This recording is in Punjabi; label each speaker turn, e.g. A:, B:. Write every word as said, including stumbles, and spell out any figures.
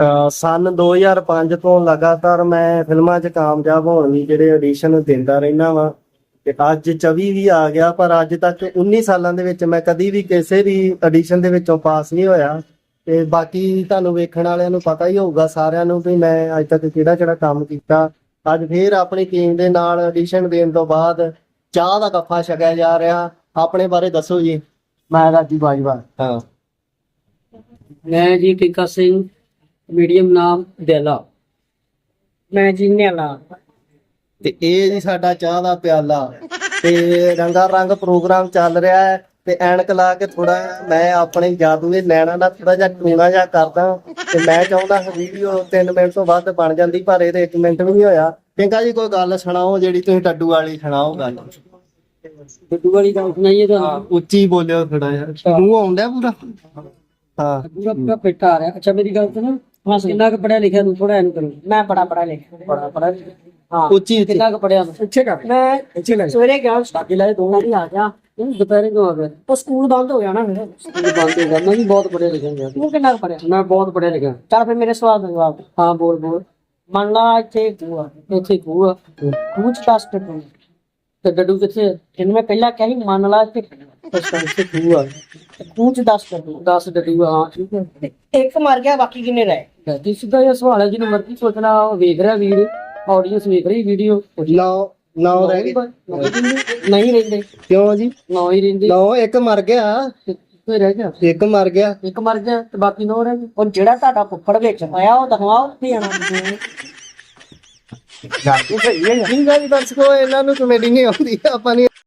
A: ਅਹ ਸਨ ਦੋ ਹਜ਼ਾਰ ਪੰਜ ਤੋਂ ਲਗਾਤਾਰ ਮੈਂ ਫਿਲਮਾਂ 'ਚ ਕਾਮਯਾਬ ਹੋਣ ਲਈ ਜਿਹੜੇ ਆਡੀਸ਼ਨ ਦਿੰਦਾ ਰਹਿਣਾ ਵਾਂ ਤੇ ਅੱਜ ਚੌਵੀ ਵੀ ਆ ਗਿਆ, ਪਰ ਅੱਜ ਤੱਕ ਉੱਨੀ ਸਾਲਾਂ ਦੇ ਵਿੱਚ ਮੈਂ ਕਦੀ ਵੀ ਕਿਸੇ ਵੀ ਆਡੀਸ਼ਨ ਦੇ ਵਿੱਚੋਂ ਪਾਸ ਨਹੀਂ ਹੋਇਆ। ਤੇ ਬਾਕੀ ਤੁਹਾਨੂੰ ਵੇਖਣ ਵਾਲਿਆਂ ਨੂੰ ਪਤਾ ਹੀ ਹੋਊਗਾ ਸਾਰਿਆਂ ਨੂੰ ਵੀ ਮੈਂ ਅੱਜ ਤੱਕ ਕਿਹੜਾ ਕਿਹੜਾ ਕੰਮ ਕੀਤਾ। ਅੱਜ ਫੇਰ ਆਪਣੀ ਟੀਮ ਦੇ ਨਾਲ ਆਡੀਸ਼ਨ ਦੇਣ ਤੋਂ ਬਾਅਦ ਚਾਹ ਦਾ ਕੱਫਾ ਛਕਿਆ ਜਾ ਰਿਹਾ। ਆਪਣੇ ਬਾਰੇ ਦੱਸੋ ਜੀ। ਮੈਂ ਰਾਜੀ ਬਾਜਵਾ। ਹਾਂ,
B: ਮੈਂ ਜੀ ਟਿੱਕਾ ਸਿੰਘ, ਮੀਡੀਅਮ ਨਾਮ ਦੇਲਾ। ਮੈਂ ਜੀ ਨਿਆਲਾ।
A: ਤੇ ਇਹ ਜੀ ਸਾਡਾ ਚਾਹ ਦਾ ਪਿਆਲਾ ਤੇ ਰੰਗਾ ਰੰਗ ਪ੍ਰੋਗਰਾਮ ਚੱਲ ਰਿਹਾ ਹੈ। ਤੇ ਐਨਕ ਲਾ ਕੇ ਥੋੜਾ ਮੈਂ ਆਪਣੇ ਜਾਦੂ ਦੇ ਨੈਣਾ ਨਾਲ ਥੋੜਾ ਜਿਹਾ ਟੂਣਾ ਜਿਹਾ ਕਰਦਾ ਤੇ ਮੈਂ ਚਾਹੁੰਦਾ ਵੀਡੀਓ ਤਿੰਨ ਮਿੰਟ ਤੋਂ ਵੱਧ ਬਣ ਜਾਂਦੀ, ਪਰ ਇਹਦੇ ਇੱਕ ਮਿੰਟ ਵੀ ਨਹੀਂ ਹੋਇਆ। ਟਿੰਕਾ ਜੀ ਕੋਈ ਗੱਲ ਸੁਣਾਓ ਜਿਹੜੀ ਤੁਸੀਂ ਟੱਡੂ ਵਾਲੀ ਸੁਣਾਓ ਗੱਲ।
B: ਟੱਡੂ ਵਾਲੀ ਗੱਲ ਸੁਣਾਈਏ ਤਾਂ
A: ਉੱਚੀ ਬੋਲਿਓ ਥੋੜਾ ਜਿਹਾ, ਮੂੰਹ ਆਉਂਦਾ ਪੂਰਾ। ਹਾਂ,
B: ਪੂਰਾ ਪੂਰਾ ਫਿੱਟ ਆ ਰਿਹਾ। ਅੱਛਾ ਮੇਰੀ ਗੱਲ ਸੁਣੋ, ਹਾਂ ਕਿੰਨਾ ਕੁ ਪੜਿਆ ਲਿਖਿਆ ਤੂੰ? ਥੋੜਾ ਇਹਨੂੰ ਕਰੋ। ਮੈਂ ਬੜਾ ਪੜਿਆ ਲਿਖਿਆ। ਬੜਾ ਪੜਿਆ ਹਾਂ। ਉੱਚੀ ਕਿੰਨਾ ਕੁ ਪੜਿਆ ਤੂੰ? ਅੱਛੇ ਕਰ। ਮੈਂ ਸਵੇਰੇ ਗਿਆ ਸਟਾਡੀ ਲਾਏ ਦੋ ਵਾਰੀ ਆ ਗਿਆ। ਦੁਪਹਿਰੇ ਕਿਉਂ ਆ ਗਿਆ? ਉਹ ਸਕੂਲ ਬੰਦ ਹੋ ਗਿਆ ਨਾ ਮੇਰਾ। ਸਕੂਲ ਬੰਦ ਹੋ ਗਿਆ। ਮੈਂ ਵੀ ਬਹੁਤ ਪੜਿਆ ਲਿਖਿਆ ਗਿਆ। ਤੂੰ ਕਿੰਨਾ ਕੁ ਪੜਿਆ? ਮੈਂ ਬਹੁਤ ਪੜਿਆ ਲਿਖਿਆ। ਚੱਲ ਫਿਰ ਮੇਰੇ ਸਵਾਲ ਦਾ ਜਵਾਬ। ਹਾਂ ਬੋਲ ਬੋਲ। ਮੰਨ ਲਾ ਇੱਥੇ ਖੂਹ ਆ, ਇੱਥੇ ਖੂਹ ਆ, ਖੂਹ ਚ ਦਸ ਟੱਡੂ ਤੇ ਡੱਡੂ ਕਿੱਥੇ? ਇਹਨੂੰ ਮੈਂ ਪਹਿਲਾਂ ਕਿਹਾ ਸੀ ਮੰਨ ਲਾ ਇੱਥੇ ਇੱਥੇ ਖੂਹ ਆ, ਖੂਹ ਚ ਦਸ ਟੱਡੂ ਦਸ ਡੱਡੂ ਆ। ਹਾਂ ਠੀਕ ਹੈ। ਇੱਕ ਮਰ ਗਿਆ, ਬਾਕੀ ਕਿੰਨੇ ਰਹੇ? ਜੀ ਸਿੱਧਾ ਜਿਹਾ ਸਵਾਲ ਹੈ, ਜਿਹਨੂੰ ਮਰਜ਼ੀ ਸੋਚਣਾ। ਉਹ ਵੇਖ ਰਿਹਾ ਵੀਰ, ਆਡੀਅנס ਵੇਖ ਰਹੀ ਵੀਡੀਓ।
A: ਨੌ ਨੌ ਰਹਿ ਗਏ।
B: ਨਹੀਂ ਰਹਿੰਦੇ।
A: ਕਿਉਂ ਜੀ?
B: ਨੌ ਹੀ ਰਹਿੰਦੇ।
A: ਨੌ, ਇੱਕ ਮਰ ਗਿਆ।
B: ਕੋਈ ਰਹਿ ਗਿਆ? ਇੱਕ ਮਰ ਗਿਆ। ਇੱਕ ਮਰ ਗਿਆ ਤੇ ਬਾਕੀ ਨੌ ਰਹਿ ਗਏ। ਉਹ ਜਿਹੜਾ ਤੁਹਾਡਾ ਫੁੱਫੜ ਵਿੱਚ ਆਇਆ ਉਹ ਦਿਖਾਓ ਉੱਥੇ ਆਣਾ।
A: ਗੱਲ ਸਹੀ ਹੈ। ਦਰਸ਼ਕੋ ਇਹਨਾਂ ਨੂੰ ਕਮੇਡੀ ਨਹੀਂ ਆਉਂਦੀ, ਆਪਾਂ ਨਹੀਂ